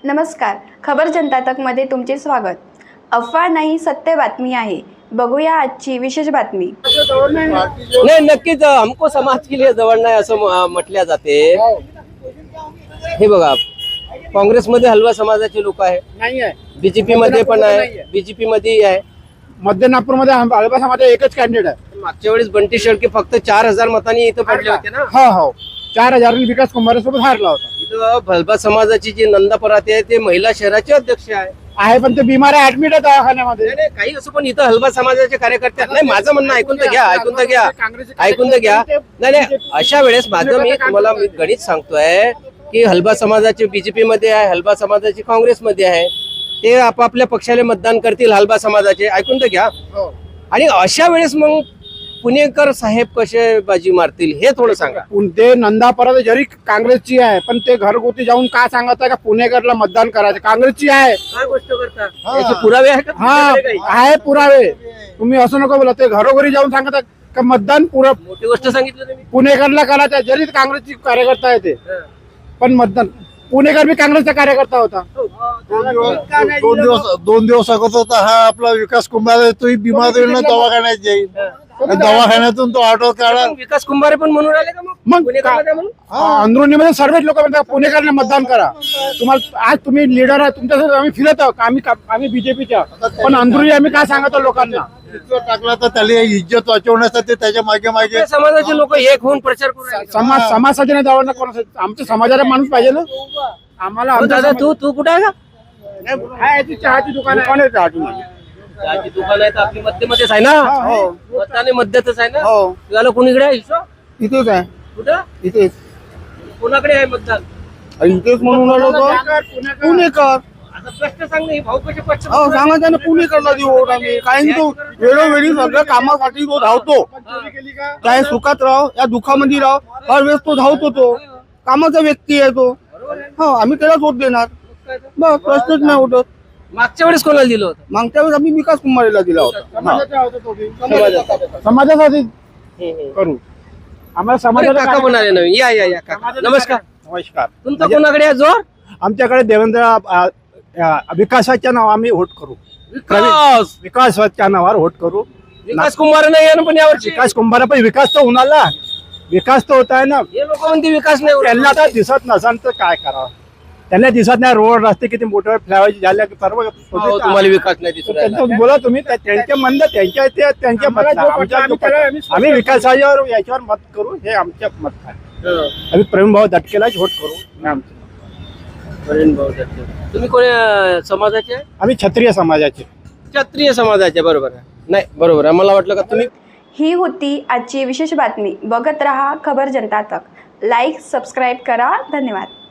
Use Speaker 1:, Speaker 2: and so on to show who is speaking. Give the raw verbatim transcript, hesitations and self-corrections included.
Speaker 1: नमस्कार, खबर जनता तक मध्ये तुमचे स्वागत। अफवा नाही, सत्य बातमी आहे। बघूया आजची विशेष बातमी।
Speaker 2: नाही, नक्कीच हमको समाज के लिए जवळ नाही असं म्हटल्या जाते। हे बघा, काँग्रेसमध्ये हलवा समाजाचे लोक आहे, नाही आहे, बीजेपी मध्ये पण आहे, बीजेपी मध्ये आहे,
Speaker 3: मध्य नागपूर मध्ये हलवा समाज एकच कॅन्डिडेट आहे।
Speaker 2: मागच्या वेळेस बंटी शेळके फक्त चार हजार मतांनी इथं पडले होते ना।
Speaker 3: हो हो, चार हजार विकास कुंभारेसोबत हारला होता।
Speaker 2: इथं हलवा समाजाची जी नंदा पराते आहे ते महिला शहराचे अध्यक्ष आहे
Speaker 3: आहे पण ते बिमार आहे, ऍडमिट आहे दवाखान्यामध्ये।
Speaker 2: नाही, काही असं पण इथं हलवा समाजाचे कार्यकर्ते नाही। माझं म्हणणं ऐकून तर घ्या, ऐकून तर घ्या, ऐकून तर घ्या। नाही नाही, अशा वेळेस माझं मी तुम्हाला मी गणित सांगतोय की हलवा समाजाचे बीजेपी मध्ये आहे, हलवा समाजाचे काँग्रेसमध्ये आहे, ते आपापल्या पक्षाला मतदान करतील हलवा समाजाचे, ऐकून तर घ्या। आणि अशा वेळेस मग पुणेकर साहेब कसे बाजी मारतील हे थोडं सांगा।
Speaker 3: ते नंदा पराते जरी काँग्रेसची आहे पण ते घरगुती जाऊन का सांगत आहे का पुणेकरला मतदान करायचं? काँग्रेसची आहे।
Speaker 2: काय गोष्ट करता? याचे पुरावे आहे का?
Speaker 3: हा आहे पुरावे, तुम्ही असं नको बोला। ते घरोघरी जाऊन सांगत आहे का मतदान पुरा
Speaker 2: मोठी गोष्ट सांगितलं तुम्ही।
Speaker 3: पुणेकरला करायचं आहे, जरी काँग्रेसची कार्यकर्ता आहे ते, पण मतदान पुणेकर भी काँग्रेसचा कार्यकर्ता होता।
Speaker 4: दोन दिवस दोन दिवस अगोदर होता हा आपला विकास कुंभारे, तोही बिमार होईल, दवाखान्यात जाईल, दवाखान्यातून तो ऑटो काढा।
Speaker 2: विकास कुंभारे पण म्हणून राहिले का मग?
Speaker 3: मग
Speaker 2: पुणेकरमध्ये म्हणून?
Speaker 3: अंदरुनी मध्ये सर्वच लोक म्हणतात पुणेकरला मतदान करा। तुम्हाला आज तुम्ही लीडर आहे, तुमच्यासोबत आम्ही फिरत आहोत, आम्ही आम्ही बीजेपीच्या, पण अंदरुनी आम्ही काय सांगतो लोकांना?
Speaker 4: टाकला तर त्याला इज्जत वाचवण्यासाठी त्याच्या मागे मागे
Speaker 2: समाजाचे लोक एक होऊन प्रचार करू राहिले।
Speaker 3: समाज समाजाचे नाही जवळ कोण, आमच्या समाजाला माणूस पाहिजे ना आम्हाला।
Speaker 2: हो दादा, तू तू कुठे आहे का?
Speaker 3: चहाची दुकान आहे, चहाची
Speaker 2: चहाची दुकान आहे तर आपली मध्यमध्येच आहे ना? मताने मध्यातच आहे ना?
Speaker 3: हो,
Speaker 2: तुला कोणीकडे आहे हिस्सा?
Speaker 3: इथेच आहे,
Speaker 2: कुठं?
Speaker 3: इथेच
Speaker 2: कोणाकडे आहे मतदान?
Speaker 3: इथेच म्हणून राहिलो तो पुणेकर।
Speaker 2: आता प्रश्न सांग ना, भाऊ कसे प्रश्न?
Speaker 3: हो सांगायचं ना, पुणेकरला देऊ वोट आम्ही। कारण तो वेळोवेळी सगळ्या कामासाठी तो धावतो, काय सुखात राहो या दुःखामध्ये राहो, हर वेळेस तो धावतो, तो कामाचा व्यक्ती आहे तो। हो, आम्ही त्यालाच वोट देणार, बस प्रश्नच नाही उठत।
Speaker 2: मागच्या वेळेस कोणाला दिलं होतं?
Speaker 3: मागच्या वेळेस आम्ही विकास कुंभारेला दिला होता, समाजासाठी करू आम्हाला समाजाला।
Speaker 2: काका म्हणाले नवीन, या या या काका, नमस्कार।
Speaker 3: नमस्कार।
Speaker 2: तुमचं कोणाकडे आहे जोर?
Speaker 3: आमच्याकडे देवेंद्र विकासाच्या नाव आम्ही वोट करू,
Speaker 2: विकास
Speaker 3: विकासाच्या नावावर वोट करू।
Speaker 2: विकास कुंभार नाही आहे ना पण यावर्षी?
Speaker 3: विकास कुंभार पण विकास तर होणार ना, विकास तर होत आहे ना।
Speaker 2: हे लोक म्हणते विकास नाही होत.
Speaker 3: त्यांना तर दिसत नसाल तर काय करावं? त्यांना दिसत नाही, रोड रस्ते किती मोठे फ्लायओव्हर झाले सर्व।
Speaker 2: हो, तुम्हाला विकास नाही दिसत आहे.
Speaker 3: त्यांचं बोला तुम्ही, त्या- त्यांच्या म्हणणं त्यांच्या ते त्यांच्या मत नाही, आमच्या मत- आम्ही विकासावर याच्यावर मत करू, हे आमच्या मत आहे।
Speaker 2: हं.
Speaker 3: आम्ही प्रेम भाऊ दटकेलाच वोट करू, हे आमचं।
Speaker 2: वरीण भाऊ दत्त. तुम्ही कोण्या समाजाचे आहे?
Speaker 3: आम्ही क्षत्रिय समाजाचे।
Speaker 2: क्षत्रिय समाजाचे, बरोबर आहे? नाही, बरोबर आहे। मला वाटलं का तुम्ही
Speaker 1: ही होती आजची विशेष बातमी। बघत रहा खबर जनता तक। लाईक, सबस्क्राईब करा। धन्यवाद।